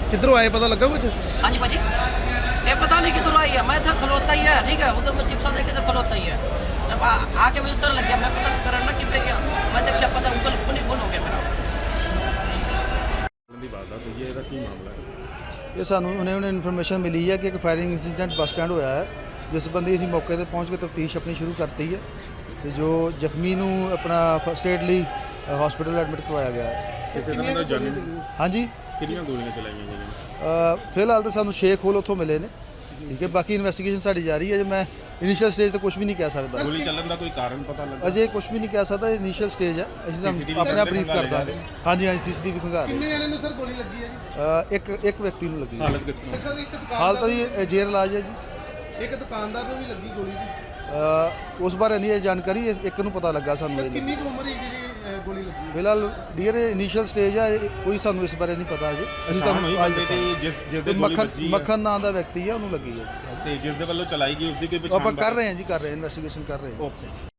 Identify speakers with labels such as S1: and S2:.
S1: किधरों आए पता लगा कुछ?
S2: हाँ जी भाजी, ये पता नहीं किधर आई है। मैं था खलोता ही है, ठीक है, उधर मैं चिप्सा देखे तो खलोता ही है। जब आके मैं इस तरह लग गया, मैं पता करना कि पे गया, मैं देखा पता गूगल फोन ही फोन हो गया मेरा।
S3: ਦੀ ਵਾਰਦਾਤ ਹੋਈ ਹੈ, ਇਹਦਾ ਕੀ ਮਾਮਲਾ ਹੈ?
S1: ਇਹ ਸਾਨੂੰ ਉਹਨੇ ਇਨਫੋਰਮੇਸ਼ਨ ਮਿਲੀ ਹੈ ਕਿ ਇੱਕ ਫਾਇਰਿੰਗ ਇੰਸੀਡੈਂਟ ਬੱਸ ਸਟੈਂਡ ਹੋਇਆ ਹੈ, ਜਿਸ ਸੰਬੰਧੀ ਅਸੀਂ ਮੌਕੇ ਤੇ ਪਹੁੰਚ ਕੇ ਤਫਤੀਸ਼ ਆਪਣੀ ਸ਼ੁਰੂ ਕਰਤੀ ਹੈ ਤੇ ਜੋ ਜ਼ਖਮੀ ਨੂੰ ਆਪਣਾ ਫਸਟ ਏਡ ਲਈ ਹਸਪੀਟਲ ਐਡਮਿਟ ਕਰਵਾਇਆ ਗਿਆ ਹੈ।
S3: ਕਿਸੇ ਦਾ ਮੈਨੂੰ ਜਾਣੀ
S1: ਹਾਂਜੀ,
S3: ਕਿੰਨੀਆਂ ਗੋਲੀਆਂ ਚਲਾਈਆਂ ਗਈਆਂ?
S1: ਫਿਲਹਾਲ ਤਾਂ ਸਾਨੂੰ ਸ਼ੇਖ ਹੋਲ ਉੱਥੋਂ ਮਿਲੇ ਨੇ, ਠੀਕ ਹੈ। ਬਾਕੀ ਇਨਵੈਸਟੀਗੇਸ਼ਨ ਸਾਡੀ ਜਾਰੀ ਹੈ। ਜੇ ਮੈਂ ਇਨੀਸ਼ੀਅਲ ਸਟੇਜ ਤੇ ਕੁਝ ਵੀ ਨਹੀਂ ਕਹਿ ਸਕਦਾ,
S3: ਗੋਲੀ ਚੱਲਣ ਦਾ ਕੋਈ ਕਾਰਨ ਪਤਾ ਲੱਗਾ?
S1: ਅਜੇ ਕੁਝ ਵੀ ਨਹੀਂ ਕਹਿ ਸਕਦਾ, ਇਨੀਸ਼ੀਅਲ ਸਟੇਜ ਹੈ। ਅਸੀਂ ਤੁਹਾਨੂੰ ਆਪਣੇ ਆਪ ਬਰੀਫ ਕਰ ਦਾਂਗੇ। ਹਾਂਜੀ ਹਾਂਜੀ, ਸੀਸੀਟੀਵੀ ਖੰਗਾ ਰਹੇ।
S4: ਕਿੰਨੇ ਜਣੇ ਨੂੰ ਸਰ ਗੋਲੀ ਲੱਗੀ ਹੈ ਜੀ?
S1: ਇੱਕ ਵਿਅਕਤੀ ਨੂੰ ਲੱਗੀ ਹੈ।
S3: ਹਾਲਤ ਕਿਸ ਤਰ੍ਹਾਂ?
S4: ਸਰ ਇੱਕ
S1: ਹਾਲ ਤਾਂ
S4: ਦੁਕਾਨਦਾਰ
S1: ਜੀ ਜੇਰ ਇਲਾਜ ਹੈ ਜੀ।
S4: ਇੱਕ ਦੁਕਾਨਦਾਰ ਨੂੰ ਵੀ ਲੱਗੀ ਗੋਲੀ ਜੀ।
S1: ਉਸ ਬਾਰੇ ਨਹੀਂ ਇਹ ਜਾਣਕਾਰੀ, ਇੱਕ ਨੂੰ ਪਤਾ ਲੱਗਾ ਸਾਨੂੰ। ਇਹ
S4: ਕਿੰਨੀ ਕੁ ਉਮਰ ਹੈ ਜਿਹੜੀ ਗੋਲੀ ਲੱਗੀ?
S1: ਫਿਲਹਾਲ ਡੀਅਰ ਇਨੀਸ਼ੀਅਲ ਸਟੇਜ ਹੈ, ਕੋਈ ਸਾਨੂੰ ਇਸ ਬਾਰੇ ਨਹੀਂ ਪਤਾ ਅਜੇ। ਅਸੀਂ ਤੁਹਾਨੂੰ ਅੱਜ ਦੱਸਾਂਗੇ।
S3: ਜਿਸ ਦੇ ਗੋਲੀ ਵੱਜੀ ਹੈ
S1: ਮੱਖਣ ਨਾਂ ਦਾ ਵਿਅਕਤੀ ਹੈ, ਉਹਨੂੰ ਲੱਗੀ ਹੈ।
S3: ਤੇ ਜਿਸ ਦੇ ਵੱਲੋਂ ਚਲਾਈ ਗਈ ਉਸ ਦੀ ਕੋਈ
S1: ਉਹ ਆਪਾਂ
S3: ਪਛਾਣ
S1: ਕਰ ਰਹੇ ਹਾਂ ਜੀ, ਕਰ ਰਹੇ ਹਾਂ, ਇਨਵੈਸਟੀਗੇਸ਼ਨ ਕਰ ਰਹੇ ਹਾਂ।
S3: ਓਕੇ।